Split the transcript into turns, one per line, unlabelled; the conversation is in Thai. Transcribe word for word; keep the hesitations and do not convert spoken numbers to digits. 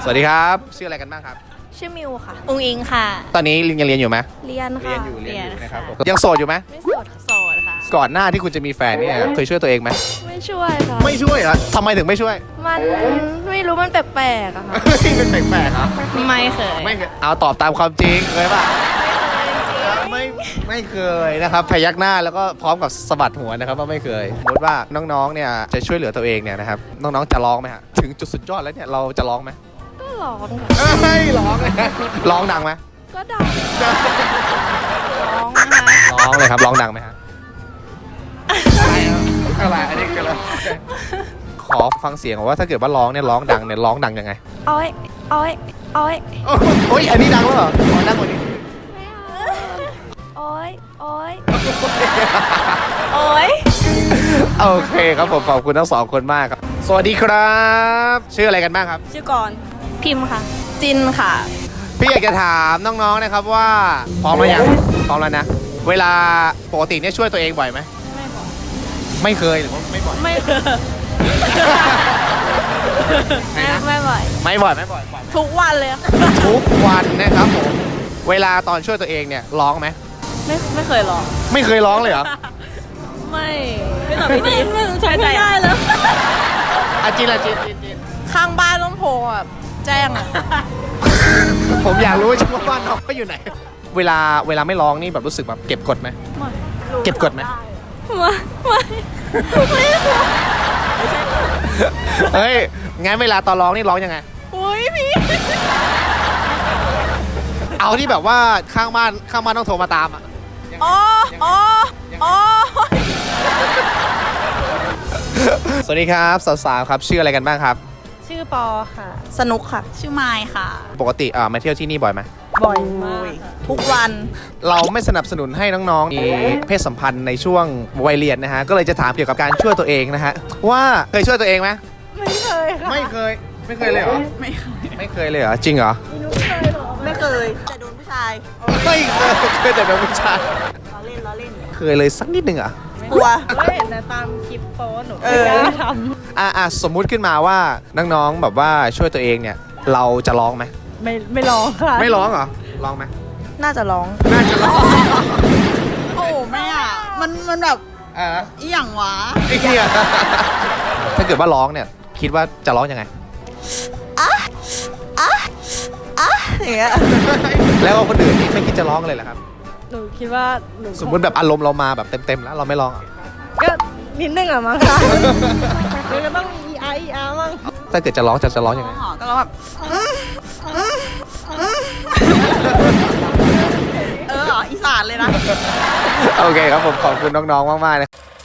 สวัสดีครับชื่ออะไรกันบ้างครับ
ชื่อมิวค่ะอุงอิงค่ะ
ตอนนี้ยังเรียนอยู่ไหม
เรียนค่ะ
เรียนอยู่เรียนอยู่นะครับผม
ค่ะ
ยังโสดอยู่ไหม
ไม่โสดโสดค่ะ
ก่อนหน้าที่คุณจะมีแฟนเนี่ยเคยช่วยตัวเองไหม
ไม่ช่วยค่ะ
ไม่ช่วยเหรอทำไมถึงไม่ช่วย
มันไม่รู้มันแปลกๆอะค่ะ
เป็นแปลกๆครับ
ไม่เคย
ไม่เคยเอาตอบตามความจริงเคยป่ะไม่ไม่เคยนะครับพยักหน้าแล้วก็พร้อมกับสะบัดหัวนะครับว่าไม่เคยสมมติว่าน้องๆเนี่ยจะช่วยเหลือตัวเองเนี่ยนะครับน้องๆจะร้องไหมฮะถึงจุดสุดยอดแล้วเนี่ยเราจะร้องไหม
ก็ร้องค่ะ
เฮ้ยร้องเลยร้องดังไหม
ก็ดังร้องนะคะ
ร้องเลยครับร้องดังไหมฮะอะไรอันนี้คืออะไรขอฟังเสียงว่าถ้าเกิดว่าร้องเนี่ยร้องดังเนี่ยร้องดังยังไง
อ้อยอ้อยอ้อย
โอ้ยอันนี้ดังแล้วเหรอขอดังกว่านี้
ไม่เอาอ้อยอ้อยโอ้ย
โอเคครับผมขอบคุณทั้งสองคนมากครับสวัสดีครับชื่ออะไรกันบ้างครับ
ชื่อก่อนพิมพ์ค่ะจินค่ะ
พี่อยากจะถามน้องๆนะครับว่าพร้อมหรือยังพร้อมแล้วนะเวลาปกติเนี่ยช่วยตัวเองบ่อยไหม
ไม่บ่อย
ไม่เคยหรือว่าไม่บ่อย
ไม่ไม่ไม่บ่อย
ไม่บ่อยไม่บ่อย
ทุกวันเลย
ทุกวันนะครับผมเวลาตอนช่วยตัวเองเนี่ยร้องไหม
ไม่ไม่เคยร้อง
ไม่เคยร้องเลยเหรอ
ไม่ไม่ตอบไม่ดีไม่ใช่ใจได้แล้ว
อาจินอาจินจินจิน
ข้างบ้านต้องโทรแบบแจ้งอ่ะ
ผมอยากรู้จังว่าบ้านน้องเขาอยู่ไหนเวลาเวลาไม่ร้องนี่แบบรู้สึกแบบเก็บกดไหม
ไม่
เก็บกดไหม
ไม่ไม่ไม่
เฮ้ยงั้นเวลาตอนร้องนี่ร้องยังไง
โอ้ยพี่
เอาที่แบบว่าข้างบ้านข้างบ้านต้องโทรมาตามอ่ะ
อ๋ออ๋ออ๋อ
สวัสดีครับสาวๆครับชื่ออะไรกันบ้างครับ
ชื่อปอค่ะสนุกค่ะชื่อไมค์ค่ะ
ปกติอ่ามาเที่ยวที่นี่บ่อยไหม
บ่อยมากทุกวัน
เราไม่สนับสนุนให้น้องๆมีเพศสัมพันธ์ในช่วงวัยเรียนนะฮะก็เลยจะถามเกี่ยวกับการช่วยตัวเองนะฮะว่าเคยช่วยตัวเองไหม
ไม่เคยค่ะ
ไม่เคยไม่เคยเลยเหรอ
ไม่เคย
ไม่เคยเลยเหรอจริงเหรอ
ไม่เคยแต่โดนผู้ชาย
ไม่เคยเคยแต่โดนผู้ชาย
ล้อเล่นล้อเล่น
เคยเลยสักนิดนึงอ่ะ
กลัวก็เห็นนะตามคลิปโป๊หนูไม่กล้าทำ
อ่ะอ่ะสมมุติขึ้นมาว่าน้องๆแบบว่าช่วยตัวเองเนี่ยเราจะร้องไหม
ไม่ไม่ร้องค่ะ
ไม่ร้องเหรอร้องไหม
น่าจะร้อง
น่าจะร้อง
โอ้แม่อ่ะมันมันแบบ
อ่ะ
อีหยังวะ
ไอ้เหี้ยถ้าเกิดว่าร้องเนี่ยคิดว่าจะร้องยังไง
อ่ะอ่ะอ่ะอย่างเงี้ย
แล้วคนอื่นนี่ไม่คิดจะร้องเลยเหรอครับ
หนูคิดว่าหนู
สมมติแบบอารมณ์เรามาแบบเต็มๆแล้วเราไม่ร้อง
ก็นิดนึงอ่ะมั้งค่ะมันก็ต้องอีอาร์อีอาร์มั้ง
ถ้าเกิดจะร้องจะจะร้องยังไง
ก็ร้องแบบเอออีสานเลยนะ
โอเคครับผมขอบคุณน้องๆมากๆเลย